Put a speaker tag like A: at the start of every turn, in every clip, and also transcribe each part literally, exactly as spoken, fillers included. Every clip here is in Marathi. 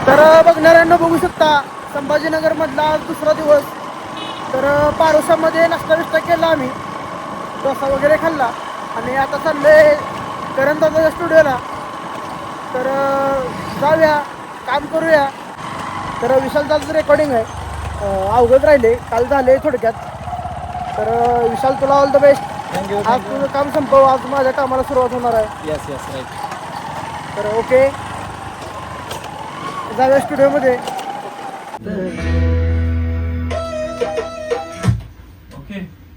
A: तर बघणाऱ्यांना बघू शकता संभाजीनगर मधला दुसरा दिवस. तर पारोसामध्ये नाश्ता बिष्टा केला आम्ही, डोसा वगैरे खाल्ला आणि आता चाललोय करंदाचा स्टुडिओला. तर जाऊया, काम करूया. तर विशालचं रेकॉर्डिंग आहे, अवघड राहिले, काल झाले थोडक्यात. तर विशाल तुला ऑल द बेस्ट.
B: थँक्यू.
A: आज तुझं काम संपव, आज माझ्या कामाला सुरुवात होणार आहे.
B: Yes yes right.
A: तर ओके, जाऊया स्टुडिओमध्ये.
B: ओके.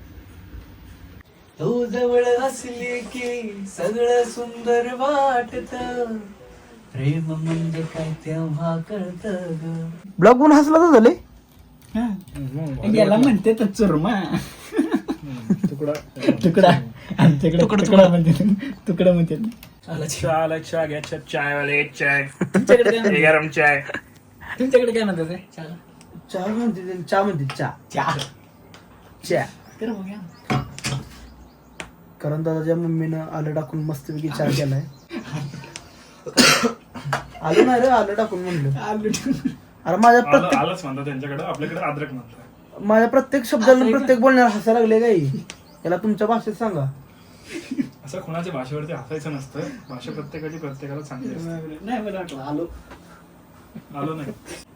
B: तू जवळ असली की सगळं सुंदर वाटत, प्रेम म्हणजे काय तेव्हा कळत ग.
A: ब्लॉग म्हणून हसला तर झाले.
B: याला म्हणते तर चुरमा तुकडा तुकडा आमच्याकडे तुकडा म्हणते, तुकडा म्हणते.
C: चाय चाय घ्या, चाय वाले चाय,
B: तुमच्याकडे काय म्हणते?
C: गरम चाय.
B: तुमच्याकडे काय म्हणतात ते? चहा
A: चहा म्हणते, चहा म्हणते, चहा
B: चहा
A: चहा.
B: कर मग या.
A: कारण दादाच्या मम्मीनं आलं टाकून मस्तपैकी चहा केलाय. आलं नाही रे, आलं टाकून म्हणलं. अरे माझ्या
C: आलं
A: प्रत्येक
C: आलंच म्हणतात त्यांच्याकडे, आपल्याकडे अद्रक म्हणतात.
A: माझ्या प्रत्येक शब्दाला प्रत्येक बोलण्याला हसायला लागले काही. याला तुमच्या भाषेत सांगा.
C: असं कोणाच्या भाषेवरती हसायचं नसतं, भाषा प्रत्येकाची प्रत्येकाला चांगली असते.
B: नाही मला वाटलं आलो.
C: आलो नाही.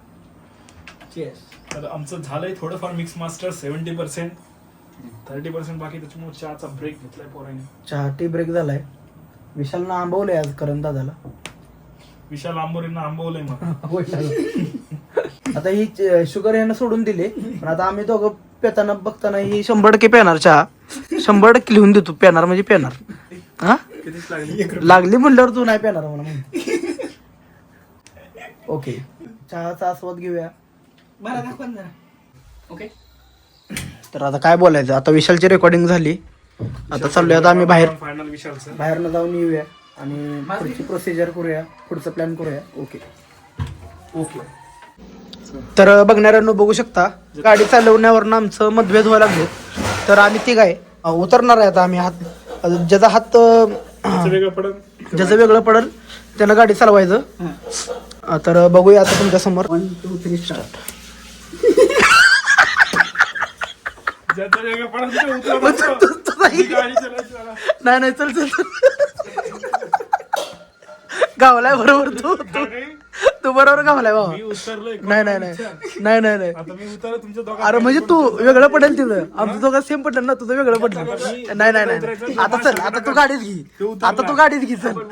C: तर आमचं झालंय थोडंफार mix master seventy percent, thirty percent बाकी. त्याच्यामुळे चहाचा ब्रेक घेतलाय पोराने.
A: चहा टी ब्रेक झालाय. विशालनं आंबवलंय आज करण दादाला.
C: विशाल आंबोरींना आंबवलंय मग.
A: आता ही शुगर यानं सोडून दिले, पण आता आम्ही दोघं पेताना बघताना ही शंभर टक्के पेणार चहा. शंभर टक्के लिहून देतो, पेणार म्हणजे पेणार. हा
C: कितीच लागली.
A: लागली म्हणल्यावर तू नाही पेणार म्हणा. ओके, चहाचा आस्वाद घेऊया.
B: मला दाखवा ना जरा. ओके.
A: तर आता काय बोलायचं, आता विशालची रेकॉर्डिंग झाली. आता चाललोय आता आम्ही बाहेर
C: फायनल विशालचं.
A: बाहेरनं जाऊन येऊया आणि पुढची प्रोसिजर करूया, पुढचं प्लॅन करूया. Okay
C: okay.
A: तर बघणाऱ्यांनो बघू शकता, गाडी चालवण्यावरनं आमचं मतभेद व्हायला लागले. तर आम्ही ती काय उतरणार आहे आता आम्ही. हात ज्याचा हात
C: वेगळं पडेल,
A: ज्याचं वेगळं पडेल त्यानं गाडी चालवायचं. तर बघूया आता तुमच्या समोर. One two three start.
C: ज्याचं वेगळं पडेल ते उतरा. ही गाडी चालवायची मला.
A: नाही नाही चल चल गावलाय बरोबर. तू तू तू बरोबर गावलाय बाबा.
C: मी उतरलोय.
A: नाही नाही नाही नाही नाही नाही
C: आता मी उतरलो तुमच्या दोघांना.
A: अरे म्हणजे तू वेगळं पडेल तिथं, आमचं दोघं सेम पडेल ना, तुझं वेगळं पडलं. नाही नाही नाही आता चल, आता तू गाडीत घे, आता तू गाडीत घे चल.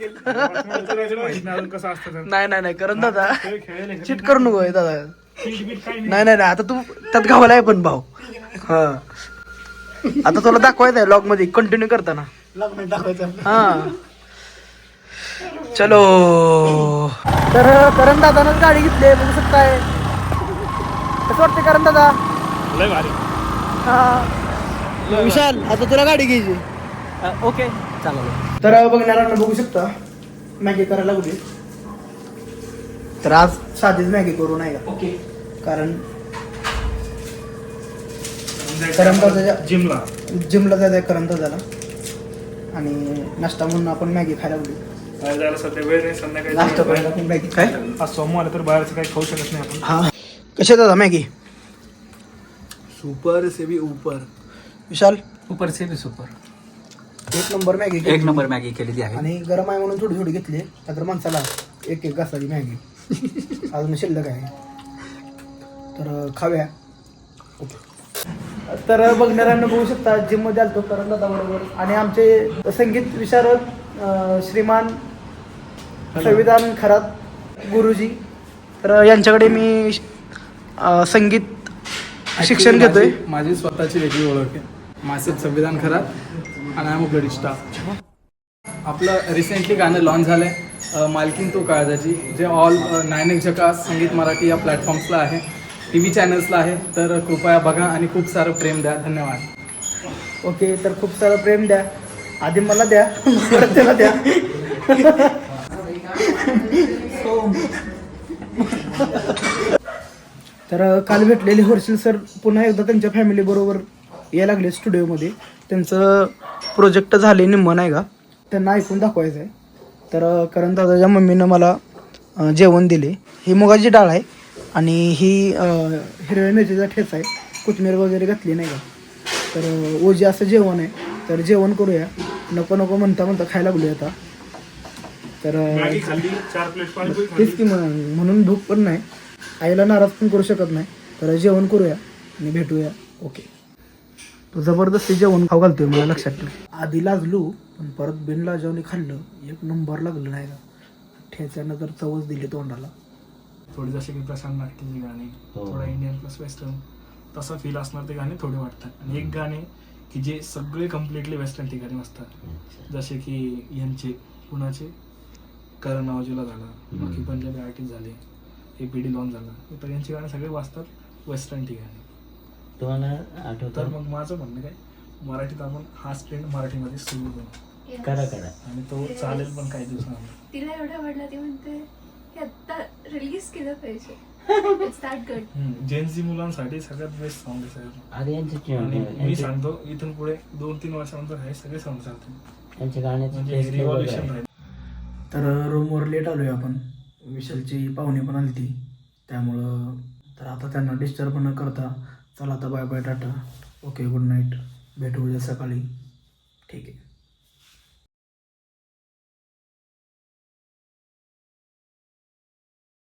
C: कसं असतं
A: नाही नाही नाही करण दादा,
C: खेळले
A: चिट करू नको दादा.
C: काही
A: नाही नाही नाही आता तू त्यात गावाला आहे पण भाऊ. हा आता तुला दाखवायचं आहे लॉग मध्ये कंटिन्यू करताना.
B: दाखवायचं.
A: हा चलो. तर करण दादानंच गाडी घेतली बघू शकताय. कसं वाटते करण दादा?
C: लय भारी.
A: हा विशाल आता तुला गाडी घ्यायची.
B: ओके चालेल.
A: तर बघणाऱ्यांना बघू शकता मॅगी करायला लागली. तर आज साधीच मॅगी करू नाही का,
B: ओके.
A: कारण करण दादाच्या
C: जिमला
A: जिमला जायचं आहे करण दादाला, आणि नाश्ता म्हणून आपण मॅगी खायला लागली.
C: बाहेर जायला सध्या वेळ नाही. संध्याकाळी
A: नाश्ता करायला पण मॅगी काय.
C: आज सोमवार आहे तर बाहेरचं काही खाऊ शकत नाही आपण.
A: हा कशी दादा मॅगी?
B: सुपर से भी ऊपर.
A: विशाल
B: सुपर से भी सुपर.
A: एक नंबर मॅगी
B: एक
A: केली.
B: नंबर मॅगी केलेली आहे.
A: आणि गरम आहे म्हणून थोडी थोडी घेतली, तर माणसाला एक एक घासाची मॅगी अजून शिल्लक आहे. तर खाऊया. ओके. तर बघणाऱ्यांना बघू शकता जिम मध्ये आलतो करण दादा बरोबर, आणि आमचे संगीत विशारद अं, श्रीमान संविधान खरात गुरुजी. तर यांच्याकडे मी अं, संगीत शिक्षण घेतोय.
D: माझी- माझी स्वतःची वेगळी ओळख आहे. माझं संविधान खरात आणि I am a bloody staff. आपलं रिसेंटली गाणं लॉन्च झालं आहे, मालकीन तो काळजाची, जे ऑल नाईन एक झकास संगीत मराठी या प्लॅटफॉर्म्सला आहे, टी व्ही चॅनल्सला आहे. तर कृपया बघा आणि खूप सारं प्रेम द्या. धन्यवाद.
A: ओके, तर खूप सारं प्रेम द्या. आधी मला द्या, परत त्याला द्या. तर काल भेटलेले हर्षल सर पुन्हा एकदा त्यांच्या फॅमिली बरोबर यायला लागले स्टुडिओमध्ये. त्यांचं प्रोजेक्ट झाले निम्म नाही का, त्यांना ऐकून दाखवायचं आहे. तर करण दादाच्या मम्मीनं मला अ, जेवण दिले. ही मुगाची डाळ आहे आणि ही अ, हिरव्या मिरचीचा ठेचा आहे, कोथिंबीर वगैरे घातली नाही का. तर अ, ओझे असं जेवण आहे. तर जेवण करूया. नको नको म्हणता म्हणता खायला लागलो आता. तर अ,
C: मॅगी खाल्ली, चार प्लेट पाणीपुरी खाल्ली.
A: तेच की मग म्हणून भूक पण नाही, आईला नाराज पण करू शकत नाही. तर जेवण करूया आणि भेटूया. ओके. तो जबरदस्ती जेवण खाऊ घालतोय मला, लक्षात ठेव. आधी लाजलो पण परत बिन लाजवणी खाल्लं, एक नंबर लागलं नाही का. ठेच्यानं तर चवच दिली तोंडाला.
C: थोडी जसे की प्रशांत नाट्यची गाणी, थोडा इंडियन प्लस वेस्टर्न तसा फील असणार ते गाणे थोडे वाटतात. आणि एक गाणे की जे सगळे कम्प्लिटली वेस्टर्न ठिकाणी असतात, जसे की यांचे पुण्याचे करण आवाजूला झाला, बाकी पंजाबी आर्टिस्ट झाले, ए पी डी लॉन झाला, तर यांचे गाणे सगळे वाजतात वेस्टर्न ठिकाणी.
B: तुम्हाला
C: तर
B: आठवतं?
C: मग माझं म्हणणं काय, मराठीत आपण हा ट्रेंड मराठीमध्ये सुरू करू
B: करा करा.
C: आणि तो चालेल पण काही दिवसांनी.
E: तिला एवढं आवडलं, ती म्हणते हे आता रिलीज केलं पाहिजे. It's that good.
C: जेनझी मुलांसाठी सगळ्यात बेस्ट सॉंग आहे.
B: आधी यांचे
C: आणि मी
B: यांचे
C: सांगतो इथून पुढे दोन तीन वर्षानंतर हे सगळे सॉंग चालतील,
B: यांच्या गाण्याचे
C: म्हणजे
B: taste वेगळं
C: रिव्हॉल्युशन
B: आहे.
C: राहील.
A: तर रूमवर लेट आलोय आपण. विशालची पाहुणे पण आली ती, त्यामुळं तर आता त्यांना डिस्टर्ब न करता चला आता bye bye tata. Okay, good night. भेटू उद्या सकाळी. ठीक आहे.